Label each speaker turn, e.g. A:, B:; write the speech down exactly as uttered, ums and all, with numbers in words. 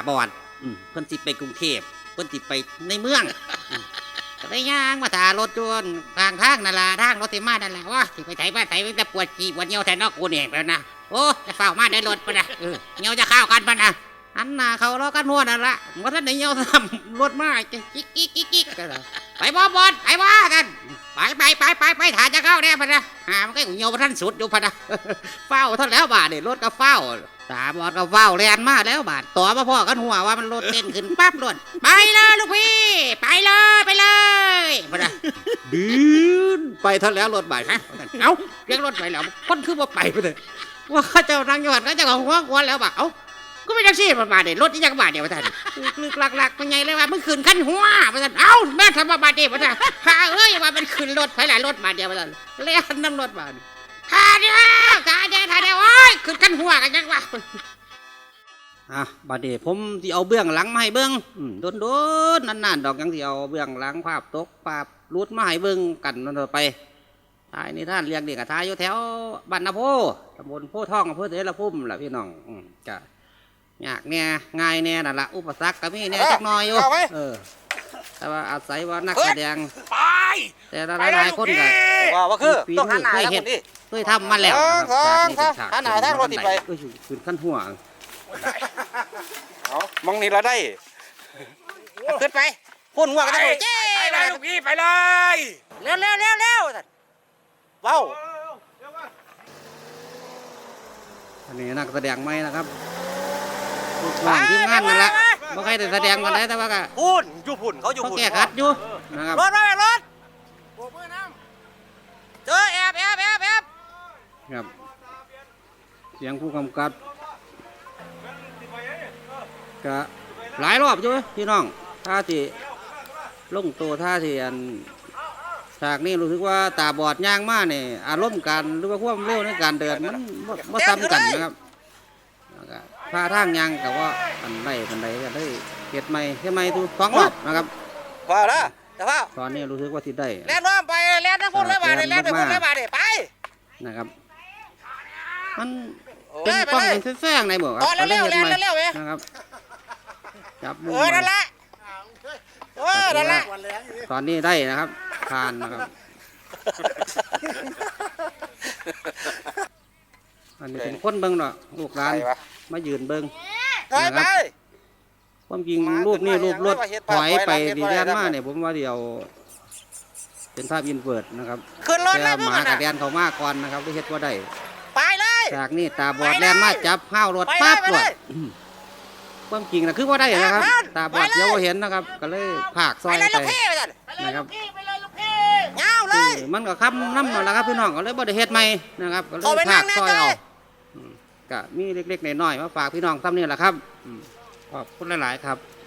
A: บอดเพิ่นสิไปกรุงเทพเพิ่นสิไปในเมืองก็ได้ย่างมาถ่ารถจนทางทางนั่นล่ะทางรถที่มานั่นแหละว่าสิไปไถมาไถแต่ปวดขี้ปวดเหี่ยวแทนนอกกูนี่แล้วนะโอ้จะเฝ้ามาได้รถปะนะเออเหี่ยวจะเข้ากันปะนะอันน่ะเขาล้อกันหัวนั่นละว่าท่านไหนเหี่ยวทำรถมาจะกิ๊กกิ๊กกิ๊กกิ๊กไปบ่บอดไปว่ากันไปไปไปไปไปถ่าจะเข้าแน่ปะนะหามันก็เหี่ยวท่านสุดอยู่ปะนะเฝ้าท่านแล้วบาดเนี่ยรถก็เฝ้าตาบอดก็เฝ้าแลนมาแล้วบาดต่อมาพ่อกันหัวว่ามันรถเต้นขึ้นปั๊บรถไปเลยลูกพี่ไปเลยไปเลยปะนะดื้อไปท่านแล้วรถบาดฮะเอ้าเรียกรถไปแล้วคนคือว่าไปไปเลยว่าข้าเจ้านั่งอยู่หันข้าเจ้าของหัวกวนแล้วบาดเอ้าก็ไม่ได้สิมาบาดเดี๋ยวรถที่ยังบาดเดี๋ยวมาท่านลึกหลักๆเป็นไงเลยว่ามึงขึ้นขั้นหัวมาท่านเอ้าแม่ทำมาบาดเดี๋ยวมาท่านข้าเอ้ยว่ามันขึ้นรถไปหลายรถบาดเดี๋ยวมาท่านเลี้ยนน้ำรถบาดข้าเดียวข้าเดียวข้าเดียวโอ้ยขึ้นขั้นหัวกันยังวะอ่ะบาดเดี๋ยวผมที่เอาเบื้องหลังมาให้เบื้องโดนโดนนานๆดอกยังที่เอาเบื้องหลังภาพตกภาพรูดมาให้เบื้องกันนั่นไปทายนี่ท่านเรียกเด็กกับทายอยู่แถวบ้านนาโพตำบลโพทองอำเภอเสรภูมิแหละพี่น้องจะยากเนี่ยง่ายเนี่ยนั่นแหละอุปสรรคก็มีเนี่ยจักหน่อยอยู่เออแต่ว่าอาศัยว่านักแสดงแต่หลายๆคนก็
B: ว่าว่าคือต้องหันหน้า
A: เคย
B: ทาง
A: เห็น
B: นี้
A: เคยทำมาแล้วจากนี้เป็นฉาก
B: หันหน้าทางรถติดไป
A: ก็ขึ้นขั้นหัว
B: เอามองนี่เราได้ขึ้นไปพ่นหัวกันเลยเจ้ไปเลยลูกพี่ไปเลยเร็วเร็วเร็วเร็วว้าว
A: อันนี้นักแสดงไหมนะครับลูกน้องทีมงานนั่นแหละไม่ใครแต่แสดงกันได้แต่ว่าก็
B: พุ่นอยู่พุ่นเขาอยู่
A: เขา
B: พุ่น
A: แก้ขัดอยู่นะครับ
B: รถรถรถโบกมือน้ำเจอแอบแอบแอบแอบ
A: ครับเสียงผู้กำกับก็หลายรอบอยู่พี่น้องท่าที่ลงตัวท่าที่อันฉากนี้รู้สึกว่าตาบอดย่างมากเนี่ยอารมณ์การหรือว่าความเร็วในการเดินมันไม่ซ้ำกันนะครับพาทางยางกับว่าอันใดอันใดก็ได้เก็ดใหม่เก็ดใหม่ทุกสองรอบนะครับ
B: ว้าวแล้วแต่ว่า
A: ตอนนี้รู้สึกว่าที่ได้
B: แล่นน้ำไปแล่นทั้งพุ่นเลยมาเลยแล่นทั้งพุ่นเลยมาเลยไป
A: นะครับมันเป็นกล้องเป็นแฝงในหมวกครับ
B: เร็วเร็วเร็วเร็วเร็ว
A: นะครับจับมุม
B: เออนั่นแหละเออนั่นแหละ
A: ตอนนี้ได้นะครับทานนะครับอันนี้เป็นคนเบิ้งเนาะลูกหลานมายืนเบิ้งนะครับความจริงรูปนี้รูปรถถอยไปดีแดนมาเนี่ยผมว่าเดียวเป็นภาพอินเวิร์ดนะครับแต่หมากระเดียนเขามากก่อนนะครับที่เฮ็ดว่าได้
B: ไปเลย
A: จากนี่ตาบอดแลนมาจับห้าวรถปั๊บรถความจริงนะคือว่าได้นะครับตาบอดเดี๋ยวเห็นนะครับก็เลยผากซอยไปนะครับ
B: เงาเลย
A: มันก็ค้ำน้ำหน่อยละครับพี่น้องก็เลยบ่ได้เฮ็ดใหม่นะครับก็เลยผากซอยเอาก็มีเล็กๆน้อยๆมาฝากพี่น้องซ้ำนี่แหละครับขอบคุณหลายๆครับ